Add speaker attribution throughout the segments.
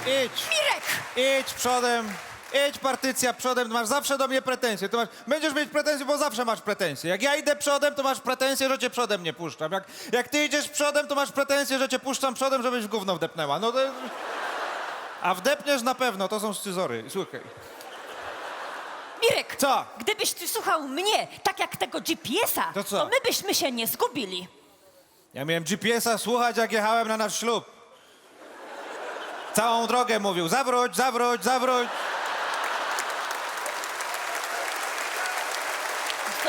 Speaker 1: Idź.
Speaker 2: Mirek!
Speaker 1: Idź przodem. Idź partycja przodem, masz zawsze do mnie pretensje. Będziesz mieć pretensje, bo zawsze masz pretensje. Jak ja idę przodem, to masz pretensje, że cię przodem nie puszczam. Jak ty idziesz przodem, to masz pretensje, że cię puszczam przodem, żebyś w gówno wdepnęła. No to... A wdepniesz na pewno, to są scyzory. Słuchaj.
Speaker 2: Mirek!
Speaker 1: Co?
Speaker 2: Gdybyś ty słuchał mnie, tak jak tego GPS-a,
Speaker 1: To co?
Speaker 2: to my byśmy się nie zgubili.
Speaker 1: Ja miałem GPS-a słuchać, jak jechałem na nasz ślub. Całą drogę mówił, zawróć, zawróć, zawróć.
Speaker 2: To,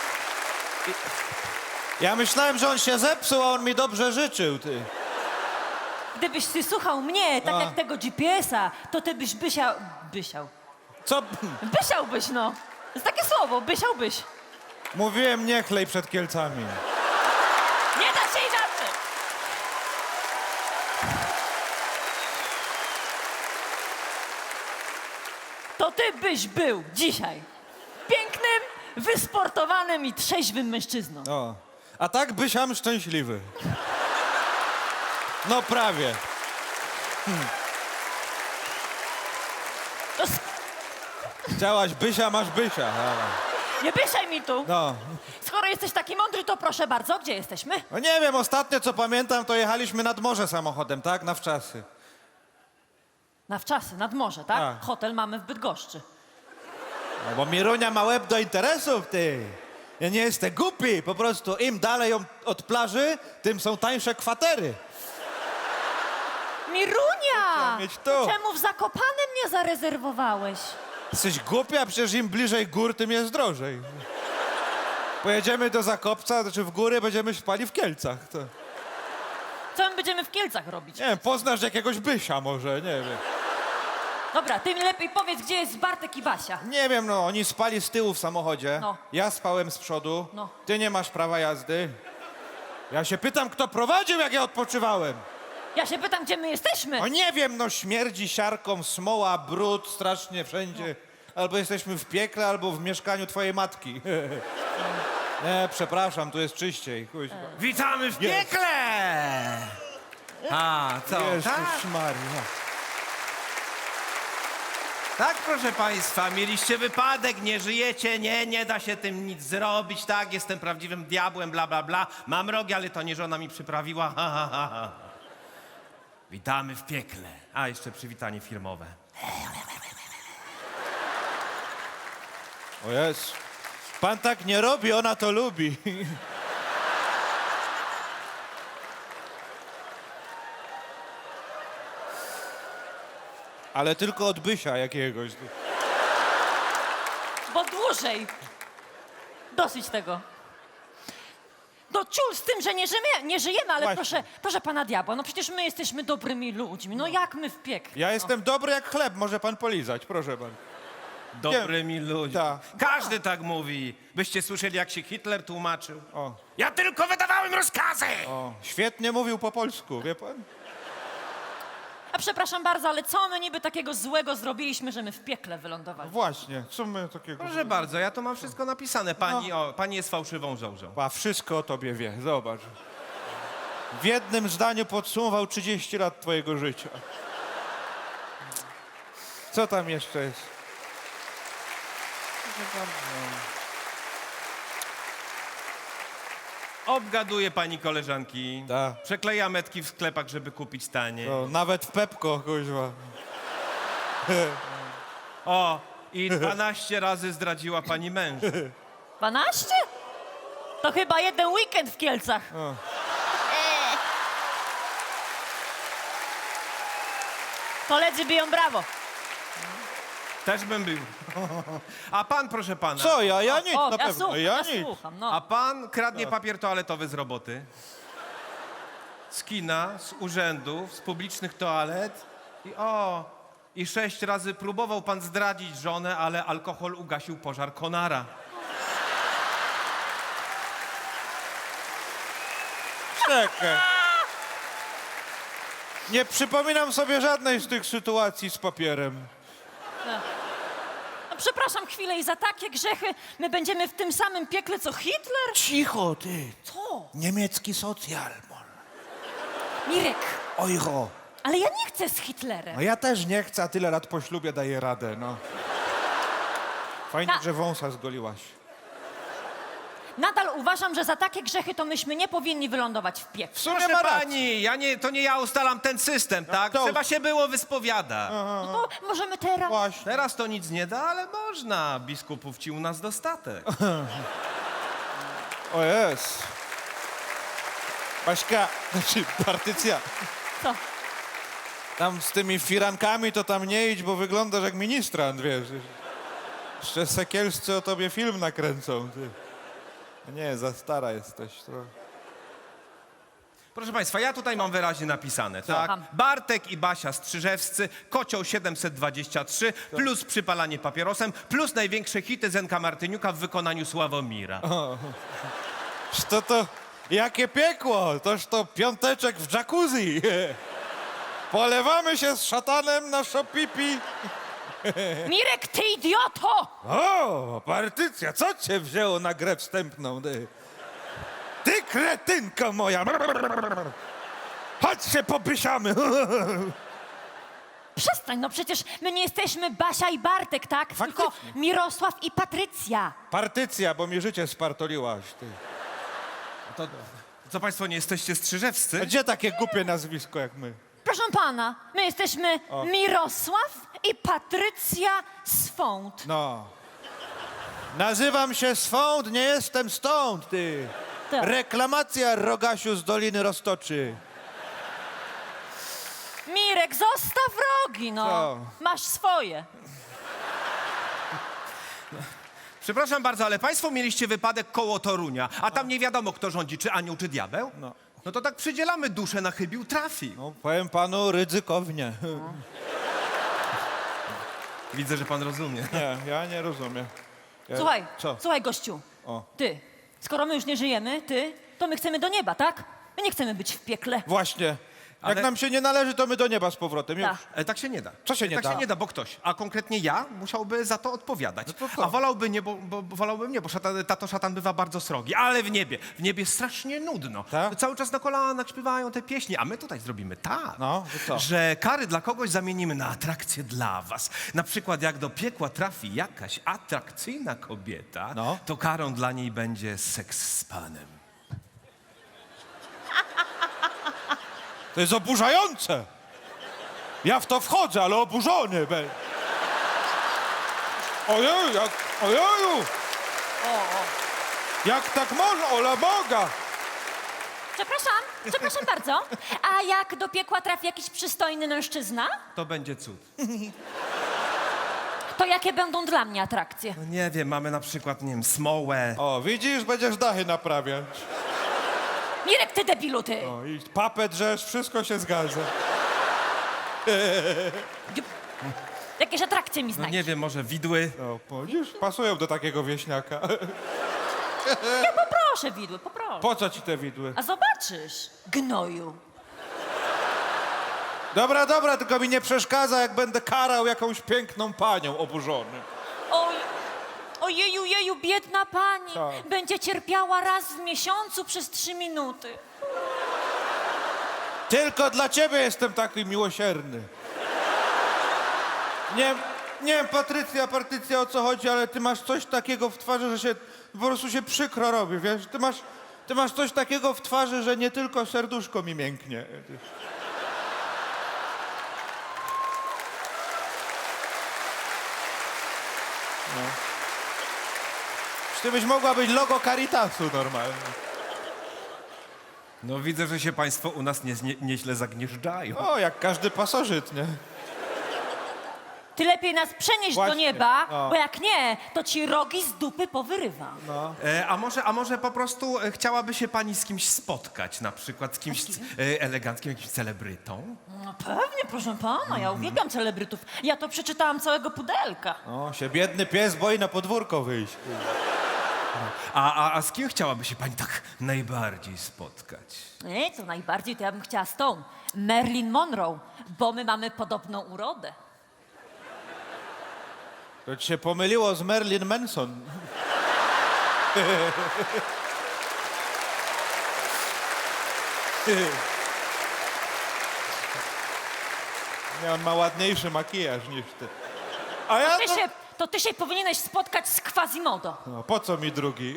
Speaker 1: Ja myślałem, że on się zepsuł, a on mi dobrze życzył, ty.
Speaker 2: gdybyś ty słuchał mnie, tak
Speaker 1: A.
Speaker 2: jak tego GPS-a, to ty byś bysiał...
Speaker 1: Co?
Speaker 2: Bysiałbyś, no. To jest takie słowo, bysiałbyś.
Speaker 1: Mówiłem, nie chlej przed Kielcami.
Speaker 2: Nie da się inaczej. To ty byś był dzisiaj pięknym, wysportowanym i trzeźwym mężczyzną.
Speaker 1: O. A tak bysiam szczęśliwy. No prawie.
Speaker 2: To
Speaker 1: Chciałaś bysia, masz bysia.
Speaker 2: nie bysiaj mi tu.
Speaker 1: No.
Speaker 2: Skoro jesteś taki mądry, to proszę bardzo, gdzie jesteśmy?
Speaker 1: No nie wiem, ostatnio co pamiętam, to jechaliśmy nad morze samochodem, tak? Na wczasy.
Speaker 2: Na wczasy, nad morze, tak?
Speaker 1: Tak.
Speaker 2: Hotel mamy w Bydgoszczy.
Speaker 1: No bo Mirunia ma łeb do interesów, ty. Ja nie jestem głupi, po prostu im dalej od plaży, tym są tańsze kwatery.
Speaker 2: Mirunia!
Speaker 1: mieć tu.
Speaker 2: Czemu w Zakopanem nie zarezerwowałeś?
Speaker 1: Jesteś głupia, przecież im bliżej gór, tym jest drożej. Pojedziemy do Zakopca, znaczy w góry, będziemy spali w Kielcach. To...
Speaker 2: Co my będziemy w Kielcach robić?
Speaker 1: Nie wiem, poznasz jakiegoś bysia może, nie wiem.
Speaker 2: Dobra, ty mi lepiej powiedz, gdzie jest Bartek i Basia.
Speaker 1: Nie wiem, no, oni spali z tyłu w samochodzie.
Speaker 2: No.
Speaker 1: Ja spałem z przodu.
Speaker 2: No.
Speaker 1: Ty nie masz prawa jazdy. Ja się pytam, kto prowadził, jak ja odpoczywałem.
Speaker 2: Ja się pytam, gdzie my jesteśmy.
Speaker 1: O nie wiem, no śmierdzi siarką, smoła, brud, strasznie wszędzie. Albo jesteśmy w piekle, albo w mieszkaniu twojej matki. Nie, przepraszam, tu jest czyściej. Kuźwa.
Speaker 3: Witamy w
Speaker 1: Jest.
Speaker 3: piekle! A, co?
Speaker 1: Jezus
Speaker 3: Tak?
Speaker 1: Maria.
Speaker 3: Tak, proszę państwa, mieliście wypadek, nie żyjecie, nie da się tym nic zrobić, tak, jestem prawdziwym diabłem, bla, bla, bla. Mam rogi, ale to nie żona mi przyprawiła, ha, ha, ha, ha. Witamy w piekle. A, jeszcze przywitanie firmowe.
Speaker 1: O jest. Pan tak nie robi, ona to lubi. Ale tylko od bysia jakiegoś.
Speaker 2: Bo dłużej. Dosyć tego. No ciul z tym, że nie żyjemy, ale
Speaker 1: Właśnie.
Speaker 2: proszę pana diabła, no przecież my jesteśmy dobrymi ludźmi. No jak my w piekle?
Speaker 1: Ja jestem dobry jak chleb, może pan polizać, proszę pan.
Speaker 3: Dobrymi ludźmi.
Speaker 1: Tak.
Speaker 3: Każdy tak mówi. Byście słyszeli, jak się Hitler tłumaczył?
Speaker 1: O.
Speaker 3: Ja tylko wydawałem rozkazy!
Speaker 1: O, świetnie mówił po polsku, wie pan?
Speaker 2: A przepraszam bardzo, ale co my niby takiego złego zrobiliśmy, że my w piekle wylądowali?
Speaker 1: Właśnie, co my takiego...
Speaker 3: Proszę bardzo, ja to mam wszystko napisane. Pani jest fałszywą żołżą.
Speaker 1: A wszystko o tobie wie, zobacz. W jednym zdaniu podsumował 30 lat twojego życia. Co tam jeszcze jest?
Speaker 3: Obgaduje pani koleżanki.
Speaker 1: Tak.
Speaker 3: Przekleja metki w sklepach, żeby kupić tanie.
Speaker 1: No, nawet w Pepko, kuźwa.
Speaker 3: O, i 12 razy zdradziła pani męża.
Speaker 2: 12? To chyba jeden weekend w Kielcach. Koledzy biją brawo.
Speaker 3: Też bym był. A pan, proszę pana.
Speaker 1: Co, ja nic,
Speaker 2: O,
Speaker 1: na
Speaker 2: ja
Speaker 1: pewno.
Speaker 2: słucham,
Speaker 1: Ja
Speaker 2: ja
Speaker 1: nic.
Speaker 2: słucham,
Speaker 3: A
Speaker 2: no.
Speaker 3: pan kradnie papier toaletowy z roboty. Z kina, z urzędów, z publicznych toalet. I 6 razy próbował pan zdradzić żonę, ale alkohol ugasił pożar konara.
Speaker 1: Czekaj. Nie przypominam sobie żadnej z tych sytuacji z papierem.
Speaker 2: No przepraszam chwilę i za takie grzechy my będziemy w tym samym piekle co Hitler?
Speaker 1: Cicho, ty.
Speaker 2: Co?
Speaker 1: Niemiecki socjal.
Speaker 2: Mirek,
Speaker 1: Euro.
Speaker 2: Ale ja nie chcę z Hitlerem.
Speaker 1: No ja też nie chcę, a tyle lat po ślubie daję radę, no. Fajnie,
Speaker 2: Na-
Speaker 1: że wąsa zgoliłaś.
Speaker 2: Nadal uważam, że za takie grzechy to myśmy nie powinni wylądować w
Speaker 1: W
Speaker 2: piekle.
Speaker 1: sumie
Speaker 3: Proszę
Speaker 1: ma rację.
Speaker 3: pani, to nie ja ustalam ten system, tak?
Speaker 1: to-
Speaker 3: Trzeba się było wyspowiadać.
Speaker 2: No to możemy teraz...
Speaker 1: Właśnie.
Speaker 3: Teraz to nic nie da, ale można. Biskupów ci u nas dostatek.
Speaker 1: O jest. Baśka, znaczy partycja.
Speaker 2: Co?
Speaker 1: Tam z tymi firankami to tam nie idź, bo wyglądasz jak ministrant, wiesz. Jeszcze Sekielscy o tobie film nakręcą, ty. Nie, za stara jesteś. To...
Speaker 3: Proszę państwa, ja tutaj mam wyraźnie napisane, tak?
Speaker 2: Słucham.
Speaker 3: Bartek i Basia Strzyżewscy, Kocioł 723, plus przypalanie papierosem, plus największe hity Zenka Martyniuka w wykonaniu Sławomira.
Speaker 1: To jakie piekło? Toż to piąteczek w jacuzzi. Polewamy się z szatanem na szopipi.
Speaker 2: Mirek, ty idioto!
Speaker 1: O, partycja, co cię wzięło na grę wstępną? Ty kretynko moja! Chodź się popysiamy!
Speaker 2: Przestań, no przecież my nie jesteśmy Basia i Bartek, tak? Tylko
Speaker 1: Faktycznie.
Speaker 2: Mirosław i Patrycja.
Speaker 1: Partycja, bo mi życie spartoliłaś. Ty.
Speaker 3: To co państwo, nie jesteście
Speaker 1: A
Speaker 3: Strzyżewscy?
Speaker 1: gdzie takie głupie nazwisko jak my?
Speaker 2: Proszę pana, my jesteśmy Mirosław i Patrycja Swąd.
Speaker 1: No. Nazywam się Swąd, nie jestem stąd, ty.
Speaker 2: Tak.
Speaker 1: Reklamacja Rogasiu z Doliny Roztoczy.
Speaker 2: Mirek, zostaw rogi, no.
Speaker 1: Co?
Speaker 2: Masz swoje.
Speaker 3: Przepraszam bardzo, ale państwo mieliście wypadek koło Torunia, a tam nie wiadomo, kto rządzi, czy anioł, czy diabeł?
Speaker 1: No.
Speaker 3: No to tak przydzielamy duszę na chybił trafi.
Speaker 1: No, powiem panu ryzykownie.
Speaker 3: Widzę, że pan rozumie.
Speaker 1: Nie, ja nie rozumiem.
Speaker 2: Słuchaj,
Speaker 1: Co?
Speaker 2: słuchaj gościu.
Speaker 1: O.
Speaker 2: Ty, skoro my już nie żyjemy, to my chcemy do nieba, tak? My nie chcemy być w piekle.
Speaker 1: Właśnie. Jak
Speaker 3: Ale-
Speaker 1: nam się nie należy, to my do nieba z powrotem. Już.
Speaker 2: Tak.
Speaker 3: Tak się nie da.
Speaker 1: Co się nie
Speaker 3: tak
Speaker 1: da?
Speaker 3: się nie da, bo ktoś, a konkretnie ja, musiałby za to odpowiadać.
Speaker 1: No to co?
Speaker 3: A wolałby nie, bo wolałbym nie, bo tato szatan bywa bardzo srogi. Ale w niebie strasznie nudno.
Speaker 1: Tak?
Speaker 3: Cały czas na kolanach śpiewają te pieśni, a my tutaj zrobimy tak,
Speaker 1: No, że co?
Speaker 3: że kary dla kogoś zamienimy na atrakcje dla was. Na przykład jak do piekła trafi jakaś atrakcyjna kobieta,
Speaker 1: No.
Speaker 3: to karą dla niej będzie seks z panem.
Speaker 1: To jest oburzające. Ja w to wchodzę, ale oburzony będę. Ojej, ojeju. Jak tak można, ola Boga.
Speaker 2: Przepraszam bardzo. A jak do piekła trafi jakiś przystojny mężczyzna,
Speaker 3: To będzie cud.
Speaker 2: to jakie będą dla mnie atrakcje?
Speaker 3: No nie wiem, mamy na przykład, nie wiem, smołę.
Speaker 1: O, widzisz, będziesz dachy naprawiać.
Speaker 2: Mirek, ty debilu, ty!
Speaker 1: O, i papę drzesz, wszystko się zgadza.
Speaker 2: Jakieś atrakcje mi
Speaker 3: No
Speaker 2: znajdź.
Speaker 3: nie wiem, może widły.
Speaker 1: O, widzisz, pasują do takiego wieśniaka.
Speaker 2: Ja poproszę widły, poproszę.
Speaker 1: Po co ci te widły?
Speaker 2: A zobaczysz, gnoju.
Speaker 1: Dobra, tylko mi nie przeszkadza, jak będę karał jakąś piękną panią oburzony.
Speaker 2: Oj, ojeju, jeju, biedna pani.
Speaker 1: Tak.
Speaker 2: Będzie cierpiała raz w miesiącu przez 3 minuty.
Speaker 1: Tylko dla ciebie jestem taki miłosierny. Nie wiem, Patrycja, o co chodzi, ale ty masz coś takiego w twarzy, że się po prostu się przykro robi, wiesz? Ty masz coś takiego w twarzy, że nie tylko serduszko mi mięknie. No. Ty byś mogła być logo Caritasu normalnie.
Speaker 3: No widzę, że się państwo u nas nieźle zagnieżdżają.
Speaker 1: O, jak każdy pasożyt, nie?
Speaker 2: Ty lepiej nas przenieść do
Speaker 1: Właśnie,
Speaker 2: nieba,
Speaker 1: no.
Speaker 2: bo jak nie, to ci rogi z dupy powyrywam.
Speaker 3: A może po prostu chciałaby się pani z kimś spotkać, na przykład z kimś eleganckim, jakimś celebrytą?
Speaker 2: No pewnie, proszę pana, ja uwielbiam celebrytów. Ja to przeczytałam całego pudelka.
Speaker 1: O, się biedny pies boi na podwórko wyjść.
Speaker 3: A z kim chciałaby się pani tak najbardziej spotkać?
Speaker 2: Nie, co najbardziej to ja bym chciała z tą Marilyn Monroe, bo my mamy podobną urodę.
Speaker 1: To ci się pomyliło z Marilyn Manson. Nie, on ma ładniejszy makijaż niż ty. A ja to...
Speaker 2: To ty się powinieneś spotkać z Quasimodo.
Speaker 1: No, po co mi drugi?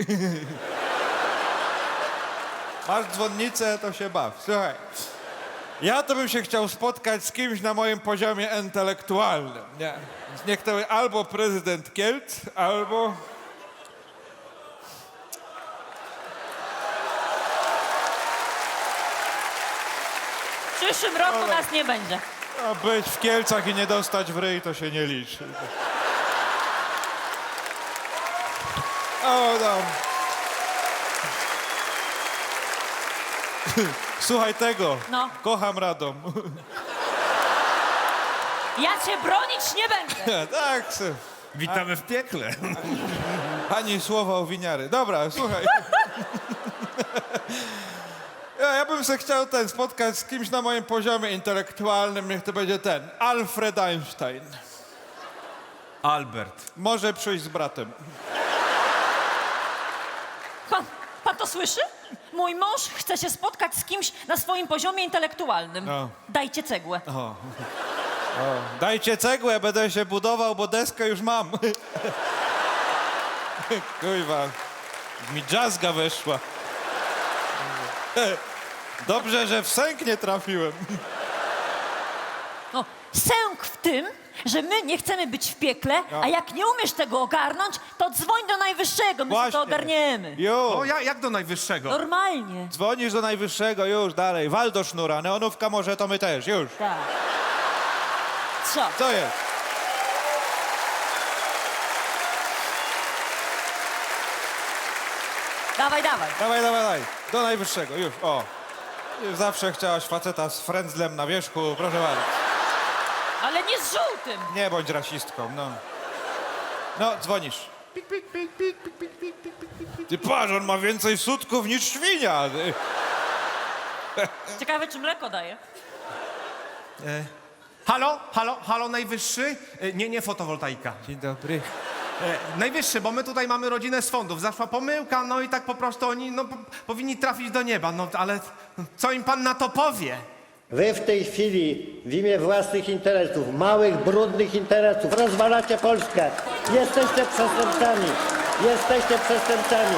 Speaker 1: Masz dzwonnicę, to się baw. Słuchaj, ja to bym się chciał spotkać z kimś na moim poziomie intelektualnym. Nie. Niech to albo prezydent Kielc, albo...
Speaker 2: W przyszłym roku nas nie będzie.
Speaker 1: A być w Kielcach i nie dostać w ryj, to się nie liczy. O, no. Słuchaj tego.
Speaker 2: No.
Speaker 1: Kocham Radom.
Speaker 2: Ja cię bronić nie będę.
Speaker 1: Tak,
Speaker 3: Witamy w piekle.
Speaker 1: ani słowa o winiary. Dobra, słuchaj. Ja bym se chciał spotkać z kimś na moim poziomie intelektualnym, niech to będzie Alfred Einstein.
Speaker 3: Albert.
Speaker 1: Może przyjść z bratem.
Speaker 2: Pan to słyszy? Mój mąż chce się spotkać z kimś na swoim poziomie intelektualnym.
Speaker 1: No.
Speaker 2: Dajcie cegłę.
Speaker 1: Dajcie cegłę, będę się budował, bo deskę już mam. Kurwa, mi jazzga weszła. Dobrze, że w sęk nie trafiłem.
Speaker 2: No, sęk w tym, że my nie chcemy być w piekle, a jak nie umiesz tego ogarnąć, to dzwoń do najwyższego, my sobie to ogarniemy.
Speaker 1: Już.
Speaker 3: O, jak do najwyższego?
Speaker 2: Normalnie.
Speaker 1: Dzwonisz do najwyższego, już, dalej. Wal do sznura, neonówka może, to my też, już.
Speaker 2: Tak. Co?
Speaker 1: Co jest?
Speaker 2: Dawaj, dawaj.
Speaker 1: Dawaj. Do najwyższego, już, o. Już zawsze chciałaś faceta z frędzlem na wierzchu, proszę bardzo.
Speaker 2: Ale nie z żółtym.
Speaker 1: Nie bądź rasistką, no. No, dzwonisz. Ty patrz, on ma więcej sutków niż świnia. Ty.
Speaker 2: Ciekawe, czy mleko daje.
Speaker 3: Halo, najwyższy? Nie fotowoltaika.
Speaker 1: Dzień dobry.
Speaker 3: Najwyższy, bo my tutaj mamy rodzinę z fondów. Zaszła pomyłka, no i tak po prostu oni powinni trafić do nieba. No ale co im pan na to powie?
Speaker 4: Wy w tej chwili w imię własnych interesów, małych, brudnych interesów rozwalacie Polskę. Jesteście przestępcami. Jesteście przestępcami.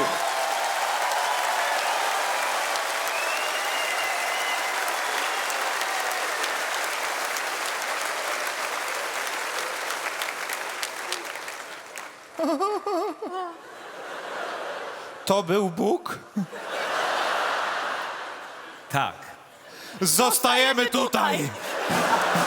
Speaker 1: To był Bóg?
Speaker 3: Tak.
Speaker 1: Zostajemy tutaj.